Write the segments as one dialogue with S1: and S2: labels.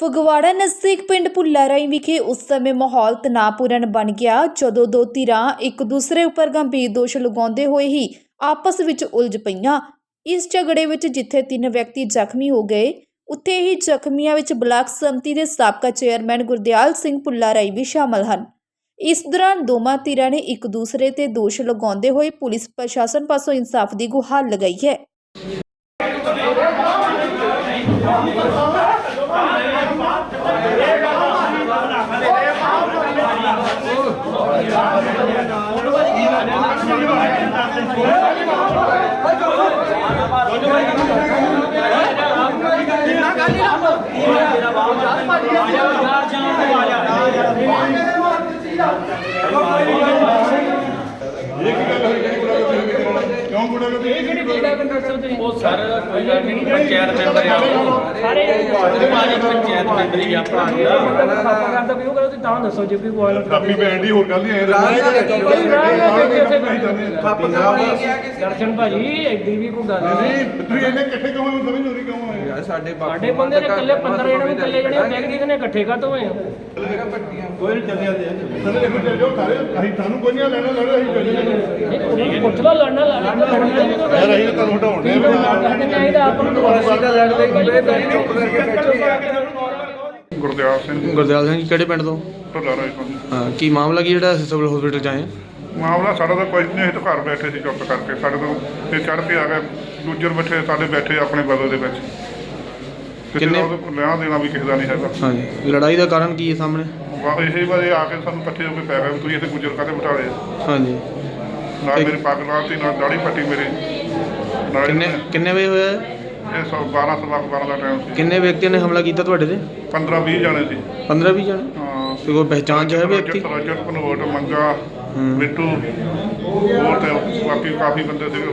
S1: ਫਗਵਾੜਾ ਨਜ਼ਦੀਕ ਪਿੰਡ ਭੁੱਲਾ ਰਾਈ ਵਿਖੇ ਉਸ ਸਮੇਂ ਮਾਹੌਲ ਤਣਾਅਪੂਰਨ ਬਣ ਗਿਆ ਜਦੋਂ ਦੋ ਧਿਰਾਂ ਇੱਕ ਦੂਸਰੇ ਉੱਪਰ ਗੰਭੀਰ ਦੋਸ਼ ਲਗਾਉਂਦੇ ਹੋਏ ਹੀ ਆਪਸ ਵਿੱਚ ਉਲਝ ਪਈਆਂ। ਇਸ ਝਗੜੇ ਵਿੱਚ ਜਿੱਥੇ 3 ਵਿਅਕਤੀ ਜ਼ਖਮੀ ਹੋ ਗਏ, ਉੱਥੇ ਹੀ ਜ਼ਖਮੀਆਂ ਵਿੱਚ ਬਲਾਕ ਸੰਮਤੀ ਦੇ ਸਾਬਕਾ ਚੇਅਰਮੈਨ ਗੁਰਦਿਆਲ ਸਿੰਘ ਭੁੱਲਾ ਰਾਈ ਵੀ ਸ਼ਾਮਲ ਹਨ। ਇਸ ਦੌਰਾਨ ਦੋਵਾਂ ਧਿਰਾਂ ਨੇ ਇੱਕ ਦੂਸਰੇ ਤੇ ਦੋਸ਼ ਲਗਾਉਂਦੇ ਹੋਏ ਪੁਲਿਸ ਪ੍ਰਸ਼ਾਸਨ ਪਾਸੋਂ ਇਨਸਾਫ ਦੀ ਗੁਹਾਰ ਲਗਾਈ ਹੈ।
S2: पंचायत मेंबर सारे पंचायत मेंबर ही अपना करदा भी करो ਤਾਂ ਦੱਸੋ ਜੇ ਕੋਈ ਬੋਲ ਕਾਪੀ ਬੈਂਡ ਹੀ ਹੋਰ ਗੱਲ ਨਹੀਂ ਦਰਸ਼ਨ ਭਾਜੀ ਐਡੀ ਵੀ ਕੋਈ ਗੱਲ ਨਹੀਂ ਤੁਸੀਂ ਇਹਨੇ ਇਕੱਠੇ ਕਿਉਂ ਹੋਏ ਸਮਝ ਨਹੀਂ ਕਿਉਂ ਹੋਏ ਯਾਰ ਸਾਡੇ ਬੰਦੇ ਨੇ ਇਕੱਲੇ 15 ਜਣੇ ਨੂੰ ਇਕੱਲੇ ਜਣੇ ਬੈਗ ਦੀ ਨੇ ਇਕੱਠੇ ਕਾਤੋਂ ਹੋਏ ਆ ਕੋਈ ਨਹੀਂ ਚੱਲਿਆ ਦੇ ਸਾਨੂੰ ਦੇਖੋ ਚੱਲ ਜਾਓ ਸਾਰੇ ਅਸੀਂ ਤੁਹਾਨੂੰ ਕੋਈ ਨਹੀਂ ਲੈਣਾ ਲੜੋ ਅਸੀਂ ਚੱਲ ਜਾਈਏ ਪੁੱਛ ਲਓ ਲੜਨਾ ਯਾਰ ਅਸੀਂ ਤੁਹਾਨੂੰ ਹਟਾਉਣੇ ਨਹੀਂ ਤਾਂ ਆਪਾਂ ਨੂੰ ਦੁਬਾਰਾ ਲੜਦੇ
S3: ਗੁਰਦਿਆਲ ਸਿੰਘ ਕਿਹੜੇ ਪਿੰਡ ਤੋਂ?
S4: ਭੁੱਲਾ ਰਾਈ ਤੋਂ।
S3: ਹਾਂ, ਕੀ ਮਾਮਲਾ ਕੀ ਜਿਹੜਾ ਸਿਵਲ ਹਸਪੀਟਲ 'ਚ ਆਏ?
S4: ਮਾਮਲਾ ਸਾਡਾ ਤਾਂ ਕੁਝ ਨਹੀਂ, ਅਸੀਂ ਤਾਂ ਘਰ ਬੈਠੇ ਸੀ ਚੁੱਪ ਕਰਕੇ, ਸਾਡੇ ਤੋਂ ਤੇ ਚੜ੍ਹ ਕੇ ਆ ਗਏ ਦੂਜਰ ਬੱਚੇ ਸਾਡੇ ਬੈਠੇ ਆਪਣੇ ਬਦਲ ਦੇ ਵਿੱਚ।
S3: ਕਿੰਨੇ
S4: ਲੈਣਾ ਦੇਣਾ ਵੀ ਕਿਸੇ ਦਾ ਨਹੀਂ ਹੈਗਾ।
S3: ਹਾਂਜੀ, ਲੜਾਈ ਦਾ ਕਾਰਨ ਕੀ ਹੈ ਸਾਹਮਣੇ?
S4: ਇਹੀ ਵਾਰ ਆ ਕੇ ਸਾਨੂੰ ਇਕੱਠੇ ਹੋ ਕੇ ਪੈ ਗਏ, ਤੁਸੀਂ ਇੱਥੇ ਗੁੱਜਰ ਕਾਹਦੇ ਬਿਠਾ ਲਏ?
S3: ਹਾਂਜੀ,
S4: ਨਾਲ ਮੇਰੀ ਪੱਗ ਲਾਤੀ, ਨਾਲ ਦਾੜੀ ਪੱਟੀ ਮੇਰੀ।
S3: ਕਿੰਨੇ ਵਜੇ ਹੋਇਆ
S4: ਇਹ 12 ਸਵਾ 12 ਦਾ ਟਾਈਮ ਸੀ।
S3: ਕਿੰਨੇ ਵਿਅਕਤੀਆਂ ਨੇ ਹਮਲਾ ਕੀਤਾ ਤੁਹਾਡੇ ਤੇ?
S4: 15-20 ਜਾਣੇ ਸੀ।
S3: 15-20 ਜਾਣੇ?
S4: ਹਾਂ।
S3: ਤੇ ਕੋਈ ਪਹਿਚਾਣ 'ਚ ਹੈ ਵਿਅਕਤੀ?
S4: ਰਜਤ ਕਨਵਰਟ ਮੰਗਾ ਮਿੱਟੂ ਹੋਰ ਤੇ ਬਾਕੀ ਕਾਫੀ ਬੰਦੇ ਸੀਗੇ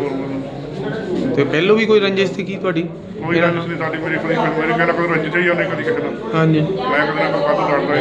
S4: ਹੋਰ।
S3: ਤੇ ਪਹਿਲੋਂ ਵੀ ਕੋਈ ਰੰਜਿਸ਼ ਸੀ ਕੀ ਤੁਹਾਡੀ?
S4: ਕੋਈ ਰੰਜਿਸ਼ ਨਹੀਂ ਸਾਡੀ, ਮੇਰੀ ਕਹਿੰਦਾ ਕੋਈ ਰੰਜਿਸ਼ ਹੀ ਉਹਨੇ ਕਦੀ ਕਿਸੇ ਨਾਲ।
S3: ਹਾਂਜੀ,
S4: ਮੈਂ ਕਦੇ ਨਾ ਕੋਈ ਵਾਧੂ ਲੜਦਾ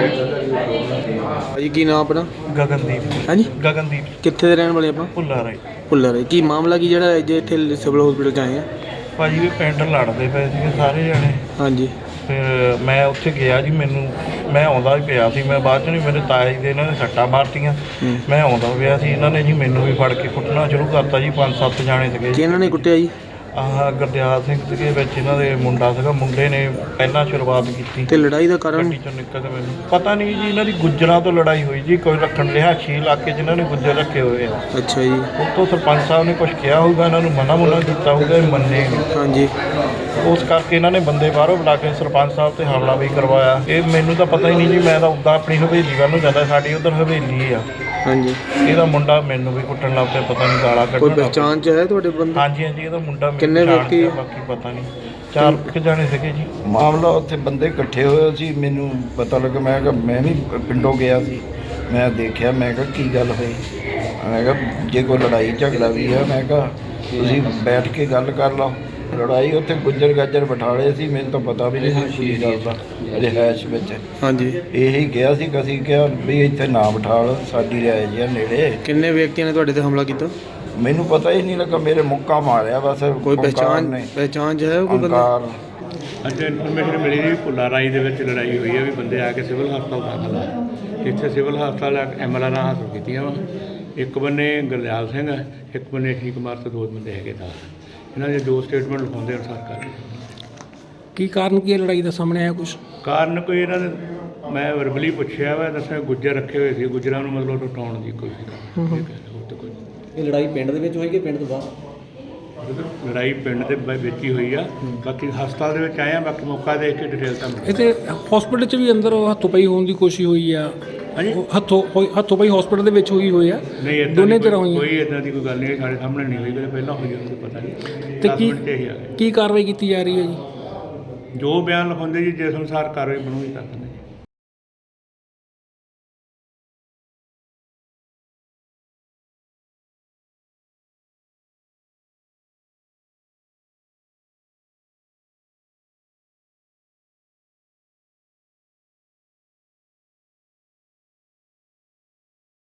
S4: ਹੀ।
S3: ਭਾਜੀ ਕੀ ਨਾਮ ਆਪਣਾ?
S5: ਗਗਨਦੀਪ।
S3: ਹਾਂਜੀ,
S5: ਗਗਨਦੀਪ।
S3: ਕਿੱਥੇ ਦੇ ਰਹਿਣ ਵਾਲੇ ਆਪਾਂ?
S5: ਭੁੱਲਾ ਰਾਈ।
S3: ਭੁੱਲਾ ਰਾਈ। ਕੀ ਮਾਮਲਾ ਕੀ ਜਿਹੜਾ ਅੱਜ ਇੱਥੇ ਸਿਵਲ ਹਸਪੀਟਲ 'ਚ ਆਏ ਆ?
S5: ਭਾਜੀ ਵੀ ਪਿੰਡ ਲੜਦੇ ਪਏ ਸੀਗੇ ਸਾਰੇ ਜਣੇ।
S3: ਹਾਂਜੀ,
S5: ਫਿਰ ਮੈਂ ਉੱਥੇ ਗਿਆ ਜੀ, ਮੈਂ ਆਉਂਦਾ ਹੀ ਪਿਆ ਸੀ, ਮੈਂ ਬਾਅਦ 'ਚ ਨਹੀਂ ਮੇਰੇ ਤਾਇਆ ਜੀ ਦੇ ਇਹਨਾਂ ਨੇ ਸੱਟਾਂ ਮਾਰਤੀਆਂ। ਮੈਂ ਆਉਂਦਾ ਪਿਆ ਸੀ, ਇਹਨਾਂ ਨੇ ਜੀ ਮੈਨੂੰ ਵੀ ਫੜ ਕੇ ਕੁੱਟਣਾ ਸ਼ੁਰੂ ਕਰਤਾ ਜੀ। 5-7 ਜਾਣੇ ਸੀਗੇ।
S3: ਕਿਹਨਾਂ ਨੇ ਕੁੱਟਿਆ ਜੀ?
S5: ਆਹ ਗੁਰਦਿਆਲ ਸਿੰਘ ਸੀਗੇ ਵਿੱਚ, ਇਹਨਾਂ ਦੇ ਮੁੰਡਾ ਸੀਗਾ, ਮੁੰਡੇ ਨੇ ਪਹਿਲਾਂ ਸ਼ੁਰੂਆਤ ਕੀਤੀ।
S3: ਤੇ ਲੜਾਈ ਦਾ ਕਾਰਨ?
S5: ਗੱਡੀ 'ਚੋਂ ਨਿਕਲ ਕੇ ਮੈਨੂੰ ਪਤਾ ਨਹੀਂ ਜੀ, ਇਹਨਾਂ ਦੀ ਗੁੱਜਰਾਂ ਤੋਂ ਲੜਾਈ ਹੋਈ ਜੀ। ਕੋਈ ਰੱਖਣ ਰਿਹਾਇਸ਼ੀ ਇਲਾਕੇ 'ਚ ਇਹਨਾਂ ਨੇ ਗੁੱਜਰ ਰੱਖੇ ਹੋਏ ਆ।
S3: ਅੱਛਾ ਜੀ।
S5: ਉੱਤੋਂ ਸਰਪੰਚ ਸਾਹਿਬ ਨੇ ਕੁਝ ਕਿਹਾ ਹੋਊਗਾ, ਇਹਨਾਂ ਨੂੰ ਮਨਾ ਕੀਤਾ ਹੋਊਗਾ, ਇਹ ਮੰਨੇ ਨਹੀਂ।
S3: ਹਾਂਜੀ,
S5: ਉਸ ਕਰਕੇ ਇਹਨਾਂ ਨੇ ਬੰਦੇ ਬਾਹਰੋਂ ਬੁਲਾ ਕੇ ਸਰਪੰਚ ਸਾਹਿਬ ਤੇ ਹਮਲਾ ਵੀ ਕਰਵਾਇਆ। ਇਹ ਮੈਨੂੰ ਤਾਂ ਪਤਾ ਹੀ ਨਹੀਂ ਜੀ, ਮੈਂ ਤਾਂ ਉੱਦਾਂ ਆਪਣੀ ਹਵੇਲੀ ਵੱਲ ਨੂੰ ਜਾਂਦਾ, ਸਾਡੀ ਉੱਧਰ ਹਵੇਲੀ ਆ। ਹਾਂਜੀ, ਇਹਦਾ ਮੁੰਡਾ ਮੈਨੂੰ ਵੀ ਕੁੱਟਣ ਲੱਗ ਪਿਆ, ਪਤਾ ਨਹੀਂ ਗਾਲਾਂ ਕੱਢਣ।
S3: ਕੋਈ ਪਹਿਚਾਣ 'ਚ ਹੈ ਤੁਹਾਡੇ ਬੰਦੇ?
S5: ਹਾਂਜੀ, ਇਹਦਾ ਮੁੰਡਾ।
S3: ਕਿੰਨੇ ਵਿਅਕਤੀ?
S5: ਬਾਕੀ ਪਤਾ ਨਹੀਂ, 4 ਜਾਣੇ ਸੀਗੇ ਜੀ।
S6: ਮਾਮਲਾ ਉੱਥੇ ਬੰਦੇ ਇਕੱਠੇ ਹੋਏ ਸੀ, ਮੈਨੂੰ ਪਤਾ ਲੱਗਾ। ਮੈਂ ਕਿਹਾ ਮੈਂ ਵੀ ਪਿੰਡੋਂ ਗਿਆ ਸੀ, ਮੈਂ ਦੇਖਿਆ, ਮੈਂ ਕਿਹਾ ਕੀ ਗੱਲ ਹੋਈ। ਮੈਂ ਕਿਹਾ ਜੇ ਕੋਈ ਲੜਾਈ ਝਗੜਾ ਵੀ ਹੈ, ਮੈਂ ਕਿਹਾ ਤੁਸੀਂ ਬੈਠ ਕੇ ਗੱਲ ਕਰ ਲਓ। ਲੜਾਈ ਉੱਥੇ ਗੁੱਜਰ ਗਾਜਰ ਬਿਠਾਲੇ ਸੀ, ਮੈਨੂੰ ਤਾਂ ਪਤਾ ਵੀ ਨਹੀਂ ਸੀ ਕੀ ਗੱਲ ਦਾ ਰਿਹਾਇਸ਼ ਵਿੱਚ।
S3: ਹਾਂਜੀ,
S6: ਇਹੀ ਕਿਹਾ ਸੀ ਕਿ ਅਸੀਂ ਕਿਹਾ ਵੀ ਇੱਥੇ ਨਾ ਬਿਠਾਲ, ਸਾਡੀ ਰਿਹਾਇਸ਼ ਆ ਨੇੜੇ।
S3: ਕਿੰਨੇ ਵਿਅਕਤੀਆਂ ਨੇ ਤੁਹਾਡੇ ਤੇ ਹਮਲਾ ਕੀਤਾ?
S6: ਮੈਨੂੰ ਪਤਾ ਹੀ ਨਹੀਂ ਲੱਗਾ, ਮੇਰੇ ਮੁੱਕਾ ਮਾਰਿਆ ਬਸ।
S3: ਕੋਈ ਪਹਿਚਾਣ 'ਚ ਹੈ ਕੋਈ ਬੰਦਾ?
S2: ਅੱਜ ਇਨਫੋਰਮੇਸ਼ਨ ਮਿਲੀ ਸੀ ਭੁੱਲਾ ਰਾਈ ਦੇ ਵਿੱਚ ਲੜਾਈ ਹੋਈ ਹੈ, ਵੀ ਬੰਦੇ ਆ ਕੇ ਸਿਵਲ ਹਸਪਤਾਲ ਦਾਖਲ ਆ। ਇੱਥੇ ਸਿਵਲ ਹਸਪਤਾਲ MLR ਹਾਸਲ ਕੀਤੀਆਂ ਵਾ। ਇੱਕ ਬੰਨੇ ਗੁਰਦਿਆਲ ਸਿੰਘ ਹੈ, ਇੱਕ ਬੰਨੇ ਠੀਕ ਕੁਮਾਰ ਤੇ 2 ਬੰਦੇ ਹੈਗੇ ਤਾਂ ਇਹਨਾਂ ਦੇ 2 ਸਟੇਟਮੈਂਟ ਲਿਖਾਉਂਦੇ ਅਨੁਸਾਰ ਕਰ।
S7: ਕੀ ਕਾਰਨ ਕੀ ਹੈ ਲੜਾਈ ਦਾ ਸਾਹਮਣੇ ਆਇਆ ਕੁਛ?
S2: ਕਾਰਨ ਕੋਈ ਇਹਨਾਂ ਨੇ, ਮੈਂ ਵਰਬਲੀ ਪੁੱਛਿਆ ਵਾ, ਦੱਸਿਆ ਗੁੱਜਰ ਰੱਖੇ ਹੋਏ ਸੀ, ਗੁੱਜਰਾਂ ਨੂੰ ਮਤਲਬ ਟੁੱਟਾਉਣ ਦੀ ਕੋਸ਼ਿਸ਼ ਕਰ।
S7: ਇਹ ਲੜਾਈ ਪਿੰਡ ਦੇ ਵਿੱਚ ਹੋਈ ਕਿ ਪਿੰਡ ਤੋਂ ਬਾਹਰ?
S2: ਲੜਾਈ ਪਿੰਡ ਦੇ ਵਿੱਚ ਹੀ ਹੋਈ ਆ। ਬਾਕੀ ਹਸਪਤਾਲ ਦੇ ਵਿੱਚ ਆਏ ਆ, ਬਾਕੀ ਮੌਕਾ ਦੇਖ ਕੇ ਡਿਟੇਲ ਤੁਹਾਨੂੰ।
S7: ਇੱਥੇ ਹਸਪੀਟਲ 'ਚ ਵੀ ਅੰਦਰ ਹੱਥੋਂ ਪਈ ਹੋਣ ਦੀ ਕੋਸ਼ਿਸ਼ ਹੋਈ ਆ?
S2: ਹਾਂਜੀ,
S7: ਹੱਥੋਂ ਪਈ ਹਸਪੀਟਲ ਦੇ ਵਿੱਚ ਹੋਈ ਆ?
S2: ਨਹੀਂ,
S7: ਦੋਨੇ ਤਰ੍ਹਾਂ ਹੋਈਆਂ?
S2: ਕੋਈ ਇਦਾਂ ਦੀ ਕੋਈ ਗੱਲ ਨਹੀਂ, ਸਾਡੇ ਸਾਹਮਣੇ ਨਹੀਂ ਹੋਈ, ਪਹਿਲਾਂ ਹੋਈ ਉਹਨੂੰ ਪਤਾ ਨਹੀਂ।
S7: ਤੇ ਕੀ ਕਾਰਵਾਈ ਕੀਤੀ ਜਾ ਰਹੀ ਹੈ ਜੀ?
S2: ਜੋ ਬਿਆਨ ਲਿਖਾਉਂਦੇ ਜੀ, ਜਿਸ ਅਨੁਸਾਰ ਕਾਰਵਾਈ ਬਣੂਗੀ ਕਰ ਦਿੰਦੇ।